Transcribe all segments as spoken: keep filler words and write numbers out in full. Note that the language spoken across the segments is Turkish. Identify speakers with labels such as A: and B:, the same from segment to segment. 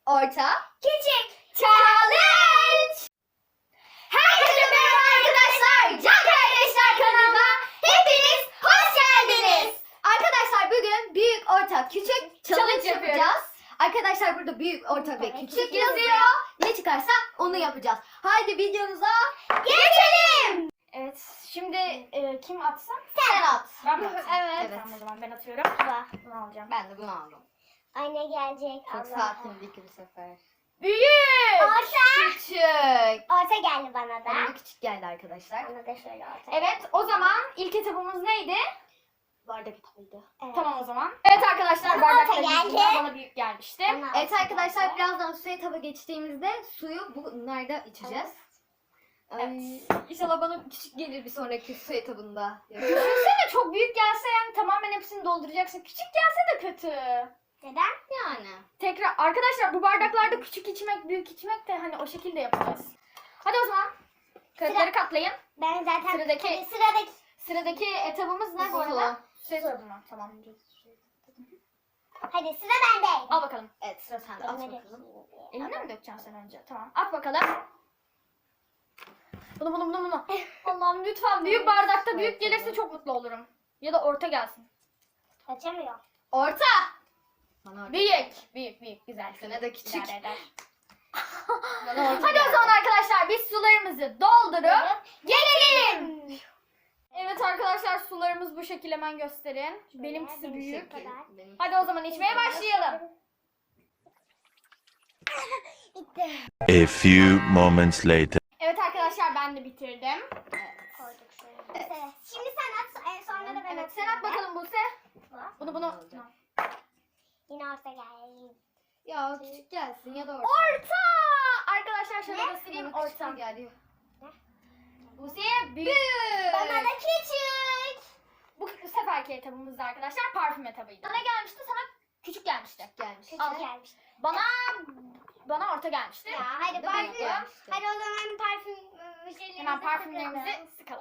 A: orta,
B: Küçük.
A: challenge. Herkese merhaba arkadaşlar. Can Kardeşler kanalıma hepiniz hoş geldiniz. Arkadaşlar bugün büyük, orta, küçük challenge yapacağız. Arkadaşlar burada büyük, orta ve küçük yazıyor. Ne çıkarsa onu yapacağız. Haydi videomuza geçelim.
B: Evet. Şimdi e, kim atsın?
A: Sen at.
B: Ben mi atayım?
A: Evet.
B: Tamam o zaman ben atıyorum. Bunu alacağım.
A: Ben de bunu aldım.
C: Anne gelecek.
A: Çok
C: Allah.
A: sakinlik bu sefer.
B: Büyük.
C: Orta.
A: Küçük.
C: Orta geldi bana da.
A: Bana da küçük geldi arkadaşlar.
C: Bana da şöyle orta.
B: Evet o zaman ilk etabımız neydi?
A: Bardak etabıydı.
C: Evet.
B: Tamam o zaman. Evet arkadaşlar
C: Bana
B: bardaklar
C: orta geldi.
B: yüzünden bana büyük gelmişti.
C: Bana
A: Evet
C: orta
A: arkadaşlar
C: geldi.
A: birazdan suya etaba geçtiğimizde suyu bu nerede içeceğiz? Ay, İnşallah bana küçük gelir bir sonraki su etabında.
B: Düşünsene çok büyük gelse yani tamamen hepsini dolduracaksın. Küçük gelse de kötü.
C: Neden?
A: Yani.
B: Tekrar arkadaşlar bu bardaklarda küçük içmek büyük içmek de hani o şekilde yapacağız. Hadi o zaman kağıtları katlayın.
C: Ben zaten
B: Sıradaki-
C: Hadi sıradaki.
B: Sıradaki etabımız ne bu arada? Su etabı mı? Tamam.
C: Hadi sıra bende.
B: Al bakalım.
A: Evet sıra sende. At
C: Elime
A: bakalım.
C: dökeyim.
B: Eline mi dökeceksin sen önce? Tamam. At bakalım. Bunu bunu bunu bunu. Allah'ım lütfen büyük bardakta büyük gelirse çok mutlu olurum. Ya da orta gelsin.
C: Açamıyor.
A: Orta. Bana orta.
B: Büyük. Büyük büyük güzel.
A: Sana da küçük.
B: İdare eder.
A: Bana orta
B: Hadi o
A: geldi.
B: zaman arkadaşlar biz sularımızı doldurup gelelim. Evet arkadaşlar sularımız bu şekilde hemen gösterin. Benimkisi
C: benim
B: büyük.
C: şekil.
A: Benim-
B: Hadi o zaman içmeye başlayalım.
C: Bitti.
D: A few moments later.
B: Evet arkadaşlar ben de bitirdim.
C: Koyduk şöyle. Evet. Şimdi sen at. En sonra da ben
B: Evet sen
C: atayım
B: at
C: ben.
B: bakalım Buse. Bunu bunu.
C: Yine orta geldi.
A: Ya küçük gelsin ya da orta.
B: Orta! Arkadaşlar şöyle
C: Ne?
B: göstereyim
A: Bana küçük
B: orta.
A: geldi.
B: Buse'ye büyük.
C: Bana da küçük.
B: Bu seferki etabımızda arkadaşlar parfüm etabıydı. Bana gelmişti sana küçük gelmişti.
A: Gelmiş.
C: Küçük
B: Al.
C: gelmiş.
B: Bana bana orta gelmişti.
C: Ya hadi
A: Bir de
C: parfüm.
A: büyük gelmişti.
C: Hadi o zaman parfüm ıı, şeylerimizi
B: Hemen
C: sıkalım.
B: parfümlerimizi sıkalım.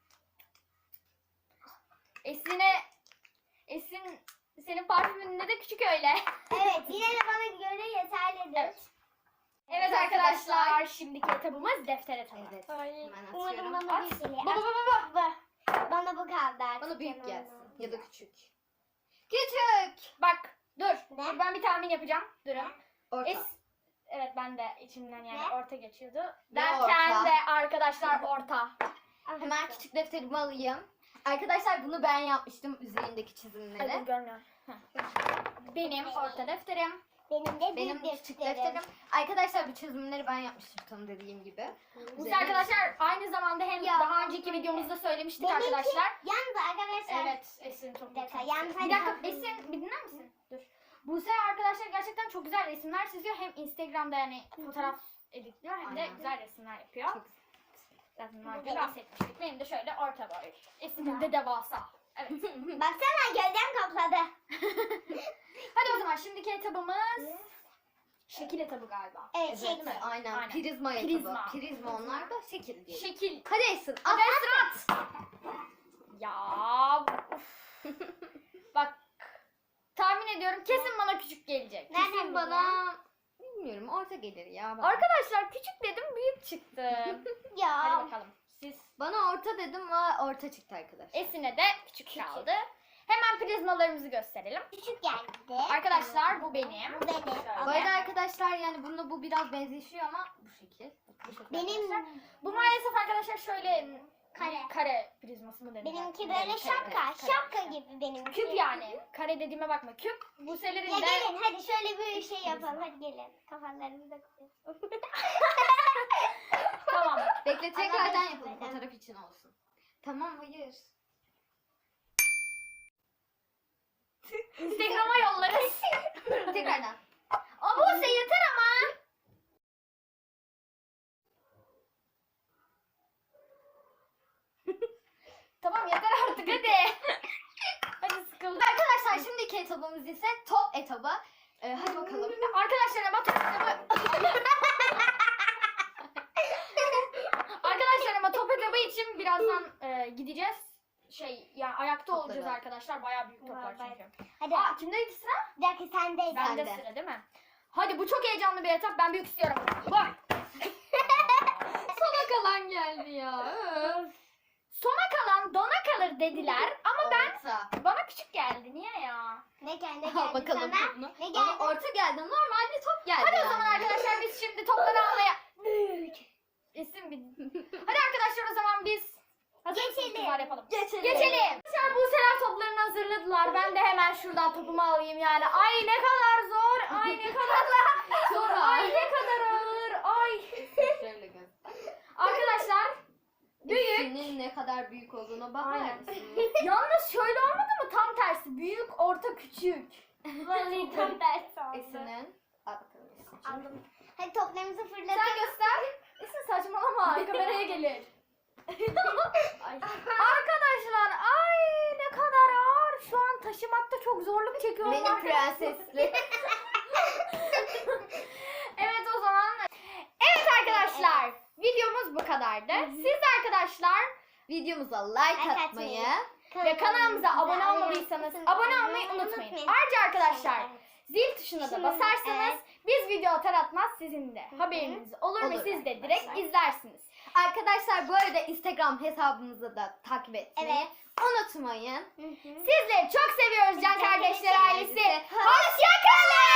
B: Esin'e Esin senin parfümünde de küçük öyle.
C: Evet yine de bana göre yeterlidir.
B: Evet. Evet arkadaşlar şimdiki etabımız defter etabı.
A: Evet.
C: Ay,
A: Hemen
C: umarım
A: atıyorum.
C: bana
B: At.
C: bir geliyor.
B: Bu bu bu bu.
C: Bu. Bana bu kaldı artık.
A: Bana büyük
C: yanımda.
A: gelsin ya da küçük. Küçük.
B: Bak dur.
C: Ne?
B: Dur ben bir tahmin yapacağım. Durun.
A: Orta.
B: Es Evet ben de içimden yani
C: Ne?
B: orta geçiyordu.
A: Ne
B: Derken
A: orta?
B: de arkadaşlar orta.
C: Ah,
A: Hemen küçük defterimi alayım. Arkadaşlar bunu ben yapmıştım üzerindeki
B: Ay,
A: çizimleri.
B: dur, görmüyorum. Heh. Benim orta defterim.
C: Benim de
A: Benim
C: büyük
A: küçük
C: defterim.
A: defterim. Arkadaşlar bu çizimleri ben yapmıştım tam dediğim gibi.
B: Biz
A: Üzerine-
B: arkadaşlar aynı zamanda hem
C: Ya.
B: daha önceki videomuzda söylemiştik
C: Benimki
B: arkadaşlar.
C: yalnız arkadaşlar.
B: Evet Esin çok
C: Detay.
B: güzel.
C: Yalnız
B: Bir
C: hadi
B: dakika
C: bakalım.
B: Esin bir dinler misin? Dur. Buse arkadaşlar gerçekten çok güzel resimler çiziyor. Hem Instagram'da yani fotoğraf editliyor hem de
A: Aynen.
B: güzel resimler yapıyor.
A: Çok-
B: Zaten daha önce bahsetmiştik. Benim de şöyle orta boy. Esin'in de devasa. Evet.
C: Baksana gölgem kapladı.
B: Hadi o zaman şimdiki etabımız şekil etabı galiba.
C: Evet,
A: Evet,
C: şey
A: değil mi? Aynen.
B: Aynen.
A: Prizma
B: Prizma.
A: etabı. Prizma onlar da şekil diye.
B: Şekil.
A: Hadi Esin at.
B: Hadi Esin at. Ya. Uf. Bak. Tahmin ediyorum kesin bana küçük gelecek.
C: Nereden
A: Kesin bana bilmiyorum orta gelir ya. Bana.
B: Arkadaşlar küçük dedim büyük çıktı. Hadi
C: Ya.
B: bakalım. Siz
A: Bana orta dedim ama orta çıktı arkadaşlar.
B: Esin'e de küçük kaldı. Hemen prizmalarımızı gösterelim.
C: Küçük geldi.
B: Arkadaşlar bu benim.
C: Bu benim.
B: Şöyle.
A: Bu arada arkadaşlar yani bununla bu biraz benzeşiyor ama bu şekil. Bu şekil
C: Benim
A: arkadaşlar.
B: Bu maalesef arkadaşlar şöyle
C: Kare.
B: kare prizması mı denir?
C: benimki
B: Kare,
C: böyle
B: kare,
C: şapka.
B: kare.
C: Şapka gibi benimki.
B: Küp yani. Kare dediğime bakma. Küp. Bu selerin
C: Ya
B: de
C: gelin hadi şöyle bir şey yapalım. Hadi gelin. Kafalarımızı da koyalım.
B: tamam.
A: Bekle tekrardan
C: Anladım.
A: yapalım fotoğraf için olsun. Tamam hayır.
B: Instagram'a yollarız.
A: Tekrardan.
B: Ama bu yeter ama. Tamam yeter artık hadi. hadi sıkıldım.
A: Arkadaşlar şimdiki etabımız ise top etabı. Ee, hadi bakalım.
B: Arkadaşlar ama top etabı. Arkadaşlar ama top etabı için birazdan e, gideceğiz. Şey ya ayakta
A: Topları.
B: olacağız arkadaşlar. Bayağı büyük toplar
C: Vay,
B: çünkü.
C: Hadi.
B: Aa kimdeydi sıra?
C: Bir dakika sendeydi.
B: Bende
A: Sende.
B: sıra değil mi? Hadi bu çok heyecanlı bir etap. Ben büyük istiyorum. Bak. Sona kalan geldi ya. Öf. Sona kalan dona kalır dediler ama ben
A: Orta.
B: bana küçük geldi. Niye ya?
C: Ne geldi
A: Al
C: geldi
A: bakalım
C: sana?
A: topunu.
C: Ne
A: Ama
C: geldi?
A: orta geldi. Normal bir top geldi.
B: Hadi o
A: yani.
B: zaman arkadaşlar biz şimdi topları almaya... İsim bir... Hadi arkadaşlar o zaman biz... Hazır mısınız
C: Geçelim.
B: kızlar yapalım.
A: Geçelim.
B: Geçelim. Arkadaşlar bu sefer toplarını hazırladılar. Ben de hemen şuradan topumu alayım yani. Ay ne kadar zor. Ay ne kadar
A: Zor.
B: Ay ne kadar ağır. Ay.
A: Şöyle göster.
B: Arkadaşlar büyük.
A: Senin ne kadar büyük olduğuna bakar
B: Aynen.
A: mısın?
B: Yalnız şöyle olmadı mı? Tam tersi. Büyük, orta, küçük.
C: Vallahi tam tersi oldu.
A: Esin'in. Al bakalım Esin'cim.
C: Aldım. Hadi toplarımızı fırlatalım.
B: Sen göster. Esin saçmalama. Kameraya gelir. Ay. Arkadaşlar ay ne kadar ağır. Şu an taşımakta çok zorluk çekiyorum.
A: Benim
B: arkadaşlar.
A: prensesli.
B: Evet o zaman. Evet arkadaşlar. Videomuz bu kadardı. Siz de arkadaşlar
A: Videomuza like
C: Like
A: atmayı.
B: ve kanalımıza abone olmadıysanız abone olmayı unutmayın. Ayrıca arkadaşlar zil tuşuna da
C: Şimdi,
B: basarsanız
C: evet.
B: biz video atar atmaz sizin de haberiniz olur,
A: Olur
B: ve siz de direkt
A: arkadaşlar.
B: izlersiniz.
A: Arkadaşlar bu arada Instagram hesabımızı da takip etmeyi
C: Evet.
A: unutmayın.
C: Hı hı.
B: Sizleri çok seviyoruz Can
C: Can
B: Kardeşler
C: Kardeşler
B: ailesi.
A: ailesi.
B: Hoşçakalın.